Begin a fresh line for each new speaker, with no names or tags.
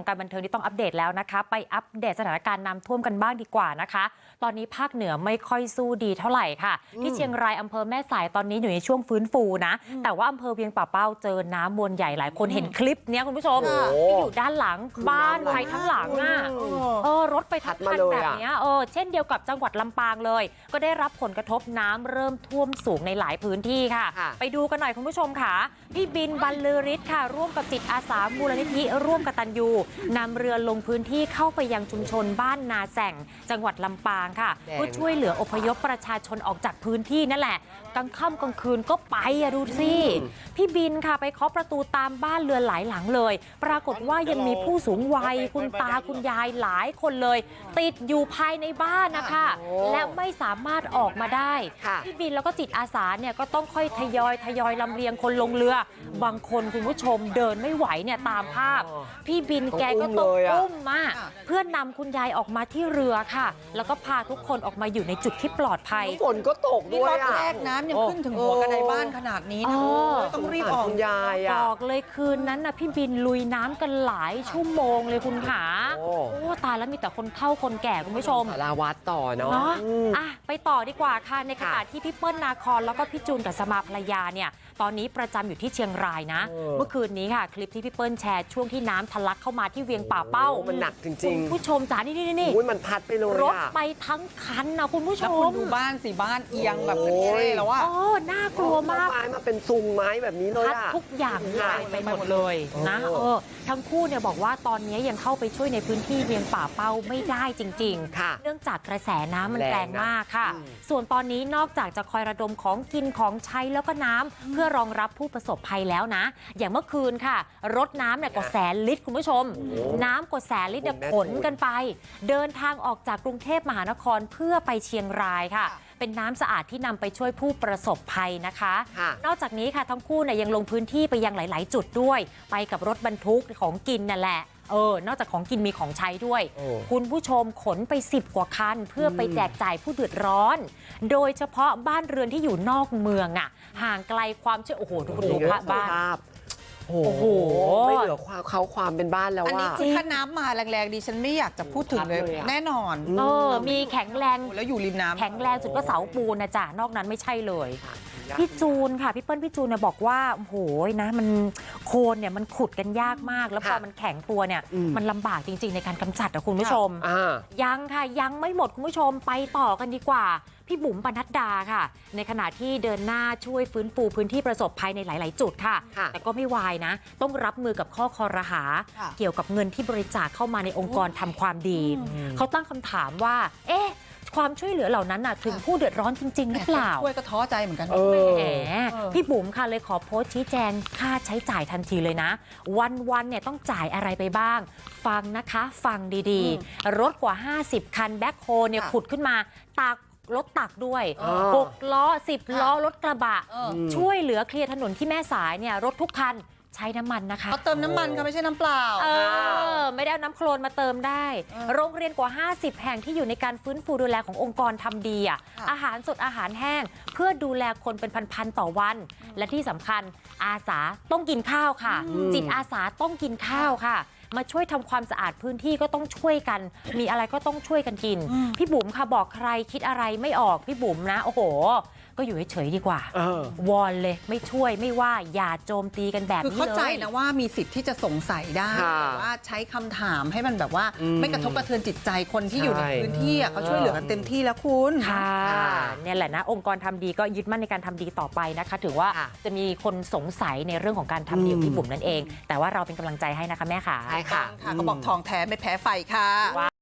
งการบันเทิงที่ต้องอัปเดตแล้วนะคะไปอัปเดตสถานการณ์น้ำท่วมกันบ้างดีกว่านะคะตอนนี้ภาคเหนือไม่ค่อยสู้ดีเท่าไหร่ค่ะที่เชียงรายอำเภอแม่สายตอนนี้อยู่ในช่วงฟื้นฟูนะแต่ว่าอำเภอเวียงป่าเป้าเจอน้ำมวลใหญ่หลายคนเห็นคลิปนี้คุณผู้ชมที่อยู่ด้านหลังบ้านไปทั้งหลังอ่ะรถไปทั้งคันแบบนี้เช่นเดียวกับจังหวัดลำปางเลยก็ได้รับผลกระทบน้ำเริ่มท่วมสูงในหลายพื้นที่ค่ะไปดูกันหน่อยคุณผู้ชมค่ะพี่บินบรรลือฤทธิ์ค่ะร่วมกับจิตอาสามูลนิธิร่วมกตัญญูนำเรือลงพื้นที่เข้าไปยังชุมชนบ้านนาแส่งจังหวัดลำปางค่ะเพื่อช่วยเหลืออพยพประชาชนออกจากพื้นที่นั่นแหละกลางค่ำกลางคืนก็ไปดูสิพี่บินค่ะไปเคาะประตูตามบ้านเรือนหลายหลังเลยปรากฏว่ายังมีผู้สูงวัยคุณตาคุณยายหลายคนเลยติดอยู่ภายในบ้านนะคะและไม่สามารถออกมาได้พี่บินแล้วก็จิตอาสาเนี่ยก็ต้องค่อยทยอยลำเลียงคนลงเรือบางคนคุณผู้ชมเดินไม่ไหวเนี่ยตามภาพพี่บินแกก็ต้องอุ้มมาเพื่อนำคุณยายออกมาที่เรือค่ะแล้วก็พาทุกคนออกมาอยู่ในจุดที่ปลอดภัย
ฝนก็ตกด้วย
รอบแรกน้ำยังขึ้นถึงหัวกระไดบ้านขนาดนี้นะต้องรีบออก
ยาย
บอกเลยคืนนั้นนะพี่บินลุยน้ำกันหลายชั่วโมงเลยคุณขาโอ้ตายแล้วมีแต่คนเฒ่าคนแก่คุณผู้ชม
สารวัตรต่อเนาะ
ไปต่อดีกว่าค่ะในขณะที่พี่เปิ้ลนาคอนแล้วก็พี่จูนกับสมาภรรยาเนี่ยตอนนี้ประจำอยู่ที่เชียงรายนะเมื่อคืนนี้ค่ะคลิปที่พี่เปิ้ลแชร์ช่วงที่น้ำทะลักเข้ามาที่เวียงป่าเป้า
มันหนักจริง
ๆผู้ชมจ๋านี่
มันพัดไปเลย
รถไปทั้งคันนะคุณผู้ชม
แล้วคุณดูบ้านสิบ้านเอียงแบบนี้แล้วว่า
น่ากลัวมาก
ไม้มาเป็นซุงไม้แบบนี้เลย
ทุกอย่างหายไปหมดเลยนะทั้งคู่เนี่ยบอกว่าตอนนี้ยังเข้าไปช่วยในพื้นที่เวียงป่าเป้าไม่ได้จริงๆเนื่องจากกระแสน้ำมันแรงมากค่ะส่วนตอนนี้นอกจากจะคอยระดมของกินของใช้แล้วก็น้ำเพื่อรองรับผู้ประสบภัยแล้วนะอย่างเมื่อคืนค่ะรถน้ำเนี่ยกว่า100,000 ลิตรคุณผู้ชมน้ำกว่า100,000 ลิตรเนี่ยขนกันไปเดินทางออกจากกรุงเทพมหานครเพื่อไปเชียงรายค่ะเป็นน้ำสะอาดที่นำไปช่วยผู้ประสบภัยนะคะนอกจากนี้ค่ะทั้งคู่เนี่ยยังลงพื้นที่ไปยังหลายๆจุดด้วยไปกับรถบรรทุกของกินนั่นแหละนอกจากของกินมีของใช้ด้วยคุณผู้ชมขนไป10 กว่าคันเพื่อไปแจกจ่ายผู้เดือดร้อนโดยเฉพาะบ้านเรือนที่อยู่นอกเมืองอ่ะห่างไกลความเชื่อดูบ้าน
โอ้โหไม่เหลือความเป็นบ้านแล้วว่าอันนี้
ถ้าน้ำมาแรงๆดิฉันไม่อยากจะพูดถึงเลยแน่นอน
มีแข็งแรง
แล้วอยู่ริมน้ำ
แข็งแรงสุดก็เสาปูนนะจ๊ะนอกนั้นไม่ใช่เลยพี่จูนค่ะพี่เปิ้ลพี่จูนเนี่ยบอกว่าโอ้โหนะมันโคนเนี่ยมันขุดกันยากมากแล้วพอมันแข็งตัวเนี่ยมันลำบากจริงๆในการกำจัดนะคุณผู้ชมยังค่ะยังไม่หมดคุณผู้ชมไปต่อกันดีกว่าพี่บุ๋มปนัดดาค่ะในขณะที่เดินหน้าช่วยฟื้นฟูพื้นที่ประสบภัยในหลายๆจุดค่ะแต่ก็ไม่วายนะต้องรับมือกับข้อคอรหาเกี่ยวกับเงินที่บริจาคเข้ามาในองค์กรทำความดีเขาตั้งคำถามว่าความช่วยเหลือเหล่านั้นน่ะถึงผู้เดือดร้อนจริงๆหรือเปล่า
ช่วยก็ท้อใจเหมือนกัน
พี่บุ๋มค่ะเลยขอโพสต์ชี้แจงค่าใช้จ่ายทันทีเลยนะวันเนี่ยต้องจ่ายอะไรไปบ้างฟังนะคะฟังดีๆรถกว่า50 คันแบ็คโฮเนี่ยขุดขึ้นมารถตักด้วย6 ล้อ10 ล้อรถกระบะช่วยเหลือเคลียร์ถนนที่แม่สายเนี่ยรถทุกคันใช้น้ำมันนะคะ
เขาเติมน้ำมันค่ะไม่ใช่น้ำเปล่า
ไม่ได้เอาน้ำโคลนมาเติมได้โรงเรียนกว่า50 แห่งที่อยู่ในการฟื้นฟูดูแลขององค์กรทำดีอาหารสดอาหารแห้งเพื่อดูแลคนเป็นพันๆต่อวันและที่สำคัญอาสาต้องกินข้าวค่ะจิตอาสาต้องกินข้าวค่ะมาช่วยทำความสะอาดพื้นที่ก็ต้องช่วยกันมีอะไรก็ต้องช่วยกันกินพี่บุ๋มค่ะบอกใครคิดอะไรไม่ออกพี่บุ๋มนะโอ้โหก็อยู่เฉยๆดีกว่าวอนเลยไม่ช่วยไม่ว่าอย่าโจมตีกันแบบนี้เลย
คือเข้าใจนะว่ามีสิทธิ์ที่จะสงสัยได้แต่ว่าใช้คำถามให้มันแบบว่าไม่กระทบกระเทือนจิตใจคนที่อยู่ในพื้นที่เขาช่วยเหลือกันเต็มที่แล้วคุณ
ค่ะเนี่ยแหละนะองค์กรทำดีก็ยึดมั่นในการทำดีต่อไปนะคะถือว่าจะมีคนสงสัยในเรื่องของการทำดีพี่บุ๋มนั่นเองแต่ว่าเราเป็นกำลังใจให้นะคะแม่ค่ะ
ใช่ค่ะก็บอกทองแท้ไม่แพ้ไฟค่ะ